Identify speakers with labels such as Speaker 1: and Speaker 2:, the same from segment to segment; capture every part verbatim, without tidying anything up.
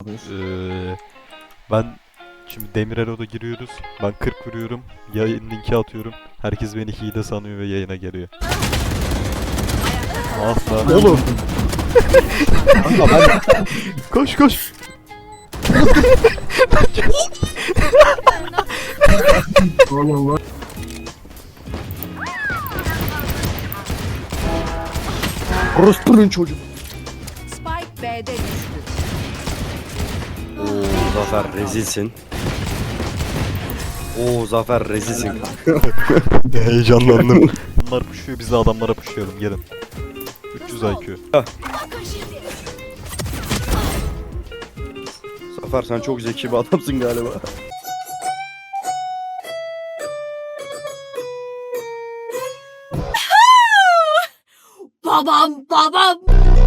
Speaker 1: yapıyorsunuz?
Speaker 2: Ee, ben şimdi Demirel'e giriyoruz. Ben kırk vuruyorum. Yayın linki atıyorum. Herkes beni hile sanıyor ve yayına geliyor. Ah lan.
Speaker 1: Oğlum. Kanka ben...
Speaker 2: Koş koş.
Speaker 1: Oğlum lan. Orospu'nun çocuğu.
Speaker 3: Spike B'de düştü.
Speaker 4: Oo Zafer rezilsin. Oo Zafer rezilsin.
Speaker 2: Heyecanlandım. Bunlar pushuyor, biz de adamlara pushlayalım. Gelin. üç yüz I Q.
Speaker 4: Zafer sen çok zeki bir adamsın galiba.
Speaker 3: Babam babam.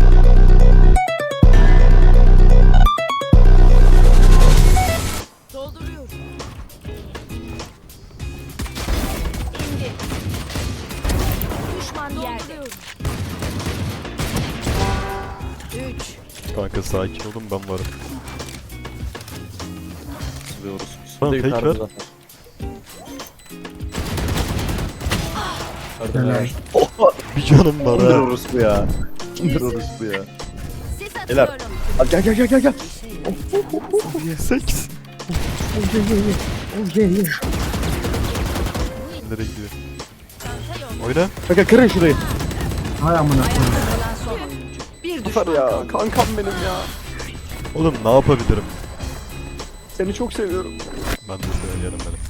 Speaker 3: Dolduruyorum. İndi. Düşman yerde. Üç.
Speaker 2: Kanka sakin olun, ben varım.
Speaker 4: Sılıyoruz.
Speaker 2: Tamam, tek ver.
Speaker 1: Helal.
Speaker 2: Bir canım var
Speaker 4: Kimdir
Speaker 2: ha.
Speaker 4: orospu ya? Kimdir orospu ya?
Speaker 3: Sis
Speaker 4: Beyler.
Speaker 3: atıyorum.
Speaker 4: Hadi gel gel gel gel gel.
Speaker 2: Seks. Nereye gidiyor? Oyna.
Speaker 4: Kanka kırın şurayı.
Speaker 1: Hay amına koyayım.
Speaker 3: Kalan son oyuncu. Bir düşman
Speaker 4: Zafer ya
Speaker 3: kaldı.
Speaker 4: kankam benim ya.
Speaker 2: Oğlum ne yapabilirim?
Speaker 4: Seni çok seviyorum.
Speaker 2: Ben de seviyorum beni.